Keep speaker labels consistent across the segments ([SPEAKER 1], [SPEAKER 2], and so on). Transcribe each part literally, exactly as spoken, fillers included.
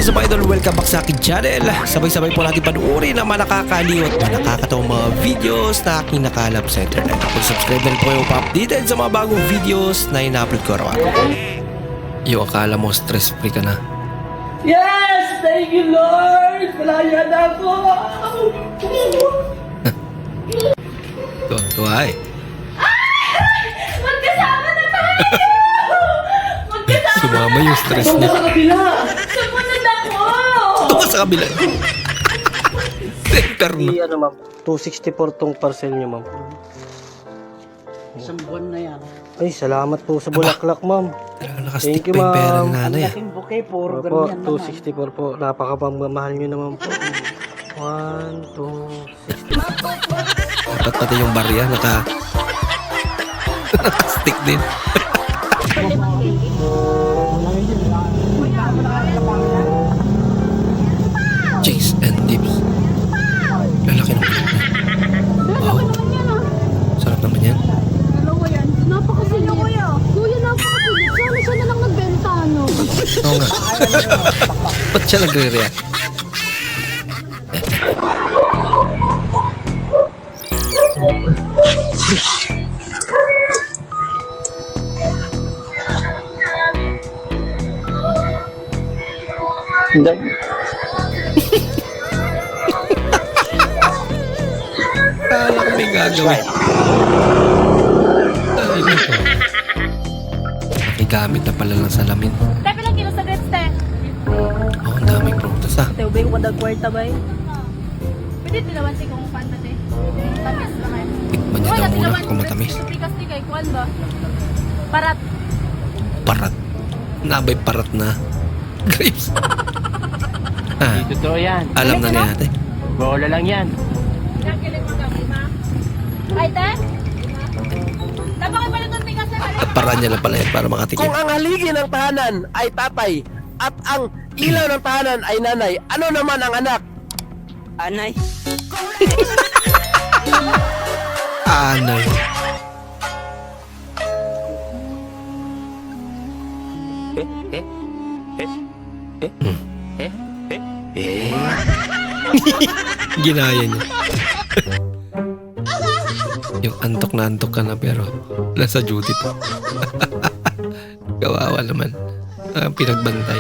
[SPEAKER 1] is up, idol? Welcome back sa akin channel. Sabay-sabay po natin panuorin ang mga nakakaliw at mga nakakatawang mga videos na aking nakalap sa internet. Kung subscribe na rin po kayo pa-updated sa mga bagong videos na ina-upload ko araw-araw. Yo, akala mo stress free ka na.
[SPEAKER 2] Yes! Thank you, Lord! Malaya na ako!
[SPEAKER 1] Tuwa-tuwa eh.
[SPEAKER 2] Magkasama na tayo! Magkasama
[SPEAKER 1] Sumama yung stress
[SPEAKER 2] Doon
[SPEAKER 1] niya.
[SPEAKER 2] sa kabila! Sumunod ako!
[SPEAKER 1] Tuwa sa kabila. Center na.
[SPEAKER 3] Di, ano ma'am, two sixty-four tong parcel niyo ma'am.
[SPEAKER 4] Isang buwan na yan.
[SPEAKER 3] Ay, salamat po sa bulaklak ma'am.
[SPEAKER 1] Talaga nakastick
[SPEAKER 3] Thank you,
[SPEAKER 1] pa yung pera
[SPEAKER 3] ma'am.
[SPEAKER 1] ng
[SPEAKER 4] Ang
[SPEAKER 1] nanay ah.
[SPEAKER 4] laking bouquet, puro
[SPEAKER 3] Opo,
[SPEAKER 4] ganyan
[SPEAKER 3] two
[SPEAKER 4] naman.
[SPEAKER 3] sixty-four po. Napakapamamahal niyo naman po. one, two, sixty-four.
[SPEAKER 1] Dapat pati yung barya naka nakastick din. Cheese and dips. Lalaki naman. Wow. Sarap naman yan.
[SPEAKER 5] Dalawa yan. Napakasilip. Kuya. Kuya, napakasilip. Sana siya na lang nagbenta, no?
[SPEAKER 1] Oo nga. Ba't siya nagre-react?
[SPEAKER 3] Hindi.
[SPEAKER 1] Kala ko may gagawin. Ay, ito. Nakigamit na pala ng salamin.
[SPEAKER 5] Tepe lang kilo sa grits, te.
[SPEAKER 1] Oh, ang daming prutas ah.
[SPEAKER 5] Te, ubay ko kada kwarta ba eh? Pwede tilawan si kung pan ba, te? Tamis na kayo.
[SPEAKER 1] Tikman niya daw muna kung matamis.
[SPEAKER 5] Pikas ni kay Kwan ba? Parat.
[SPEAKER 1] Parat. Nabay parat na. Grapes. Ah,
[SPEAKER 4] Totoo yan.
[SPEAKER 1] alam na ni ate.
[SPEAKER 4] Bola lang yan.
[SPEAKER 5] Yan, kilig mo kami, ma. Ay, te? Napakay pala itong pikas na pala.
[SPEAKER 1] At para niya lang pala yan para makatikim.
[SPEAKER 6] Kung ang haligi ng tahanan ay tatay at ang ilaw ng tahanan ay nanay, ano naman ang anak?
[SPEAKER 4] Anay.
[SPEAKER 1] Anay. Ginaya niya. Yung antok na antok ka na pero nasa duty pa. Kawawa naman. Ang pinagbantay.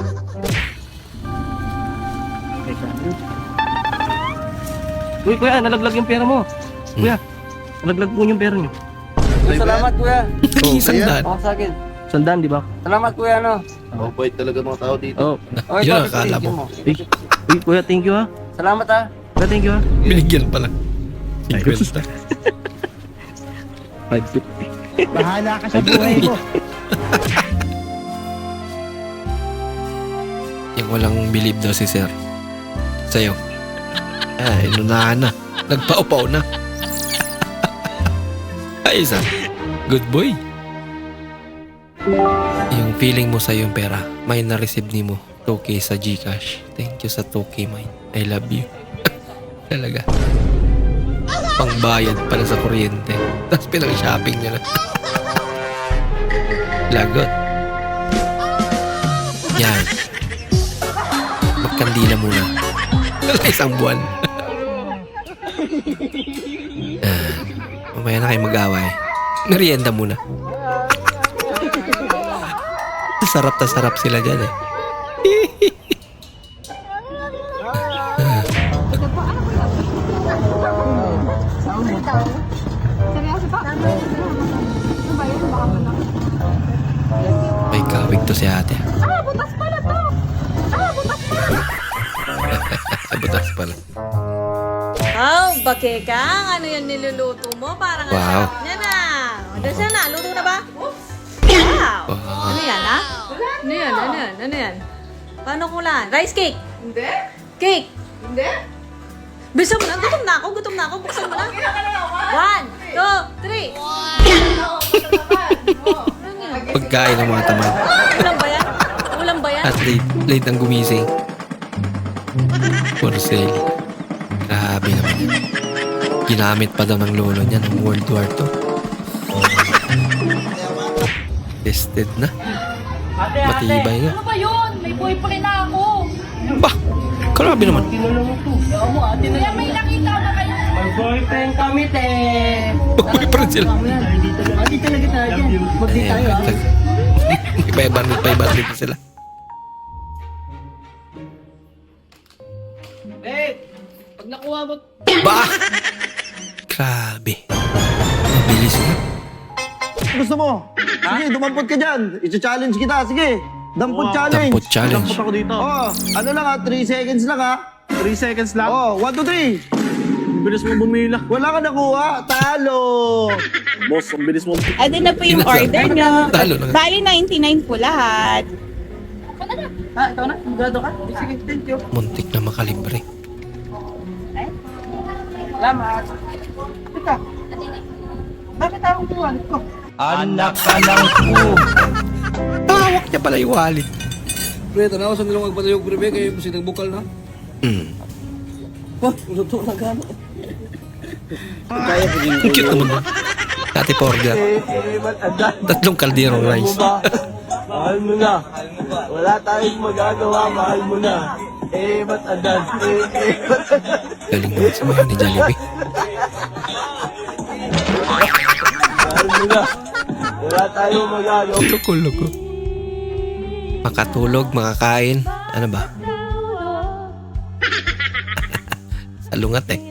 [SPEAKER 3] Uy, kuya, nalaglag yung pera mo. Kuya, nalaglag po yung pera niyo.
[SPEAKER 6] Salamat kuya.
[SPEAKER 1] Oo, sandaan.
[SPEAKER 6] Oh, sa akin.
[SPEAKER 3] Sandaan, di ba?
[SPEAKER 6] Salamat kuya, no?
[SPEAKER 7] Mabait talaga mga tao dito.
[SPEAKER 3] Oo.
[SPEAKER 6] Oh,
[SPEAKER 1] Yun
[SPEAKER 6] ito,
[SPEAKER 1] ang akala
[SPEAKER 6] bigyan
[SPEAKER 1] mo.
[SPEAKER 3] Uy, uy, kuya, thank you ha.
[SPEAKER 6] Salamat ha.
[SPEAKER 3] Kuya, thank you ha.
[SPEAKER 1] Binigyan pala. fifty.
[SPEAKER 3] five fifty.
[SPEAKER 4] Bahala ka sa buhay mo.
[SPEAKER 1] Yung walang believe daw si sir. Sa'yo. Ay, inunahan na. Nagpaupaw na. Ay, isa. Good boy. Yung feeling mo sa'yo yung pera, may na-receive ni mo two K sa Gcash. Thank you sa two K, mine. I love you. Talaga. Pangbayad pala sa kuryente. Tapos pinang-shopping niya na. Lagot. Yan. Magkandila muna. Wala isang buwan. Ah, mamaya na kayo mag-away. Merienda muna. Sarap na sarap sila dyan eh.
[SPEAKER 5] Seryoso pa? Ano ba yun? Baka mo na.
[SPEAKER 1] May kawig to si ate.
[SPEAKER 5] Ah, butas pala to! Ah, butas pala!
[SPEAKER 1] Butas pala.
[SPEAKER 8] Oh, bakekang, ano yan niluluto mo? Parang ang
[SPEAKER 1] Wow.
[SPEAKER 8] sarap niya na. O, doon siya na. Luto na ba? Wow.
[SPEAKER 1] Wow.
[SPEAKER 8] Ano yan, ha? Ano yan? Ano yan? Ano yan? Paano kulan? Rice cake? Hindi. Cake? Hindi. Bisa mo na. Gutom na ako. Gutom na ako. Buksan mo na. One, two, three. Ano yan?
[SPEAKER 1] Pagkain ng mga tamad.
[SPEAKER 8] Ulam ba yan? Ulam ba yan?
[SPEAKER 1] At late, late ang gumising. Porcel. Grabe naman yan. Ginamit pa daw ng lolo niya ng World War Two. Tested na.
[SPEAKER 2] Ate,
[SPEAKER 1] Matibay nga.
[SPEAKER 5] Ano ba yun? May boyfriend na ako.
[SPEAKER 1] Grabe naman.
[SPEAKER 5] Kuya, may nakita ba kayo?
[SPEAKER 4] May boyfriend kami, te.
[SPEAKER 1] Boyfriend sila.
[SPEAKER 4] Dito talaga tayo dyan. Magdi tayo, ah.
[SPEAKER 1] Iba-ibang, iba-ibang dito sila.
[SPEAKER 2] Eh, pag nakuha mo,
[SPEAKER 1] Ba! Grabe. Mabilis na.
[SPEAKER 9] Gusto mo? Sige, dumampot ka dyan. I-challenge kita. Sige, dampot challenge.
[SPEAKER 1] Dampot challenge.
[SPEAKER 9] ako dito. Oh, ano lang ha? three seconds lang ha?
[SPEAKER 3] three seconds lang.
[SPEAKER 9] Oh, one, two, three.
[SPEAKER 3] Bilis mo bumila.
[SPEAKER 9] Wala ka nakuha. Talo.
[SPEAKER 3] Boss, ang bilis mo.
[SPEAKER 10] Ado na po yung
[SPEAKER 1] Pinasa-
[SPEAKER 10] order nyo.
[SPEAKER 1] Talo na nga.
[SPEAKER 10] Bali, ninety-nine po lahat.
[SPEAKER 4] Ah, ikaw na? Sigurado ka? Sige, thank you.
[SPEAKER 1] Muntik na makalibre.
[SPEAKER 4] Salamat. Teka. Bakit ako buwan ko?
[SPEAKER 6] Anak ka ng pu.
[SPEAKER 1] Hawak niya pala yung wallet.
[SPEAKER 2] pre, tanaw sa nilong magpatayog pre, kayo kasi nagbukal na.
[SPEAKER 1] Hmm.
[SPEAKER 2] Oh, luto na gano.
[SPEAKER 1] Ang cute naman na. Dati porga. Tatlong kalderong rice.
[SPEAKER 9] Mahal mo na. Wala tayong magagawa. Mahal mo na. Eh, ba't agad? Eh, eh, ba't agad?
[SPEAKER 1] Galing naman sa mga ni Jollibee.
[SPEAKER 9] Mahal mo na. Wala tayong magagawa.
[SPEAKER 1] Loko-loko. Makatulog, makakain. Ano ba? Salungat eh.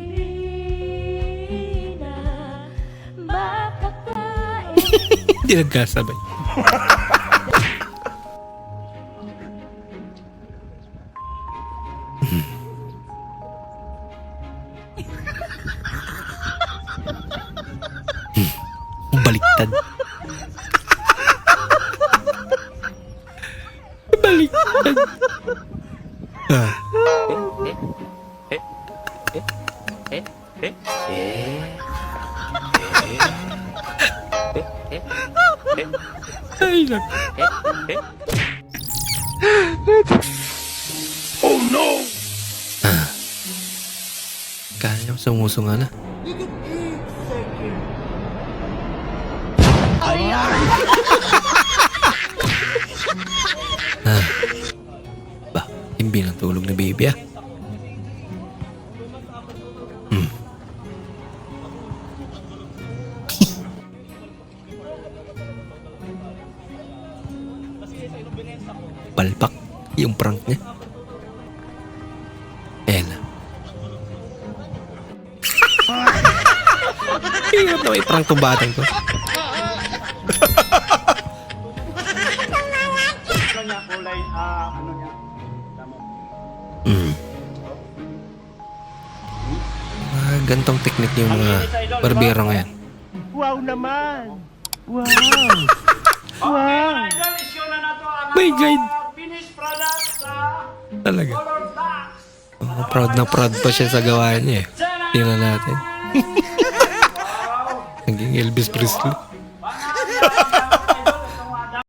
[SPEAKER 1] Hindi nagkasabay. Hmm. Hmm. Baliktad. Baliktad. Ah. Ay, nak. Oh no! Ah. Kaya mo sumusunga na. Ah. Ba, hindi na tulog na baby ah. Hmm. Palpak yung prank niya. Ayan na. Hirap na may prank tong batang to. Mm. Ah, gantong teknik yung mga barbero ngayon.
[SPEAKER 6] Wow naman. Wow.
[SPEAKER 1] My God! Talaga. Oh, proud na proud pa siya sa gawa niya eh. Tingnan natin. Naging Elvis Presley.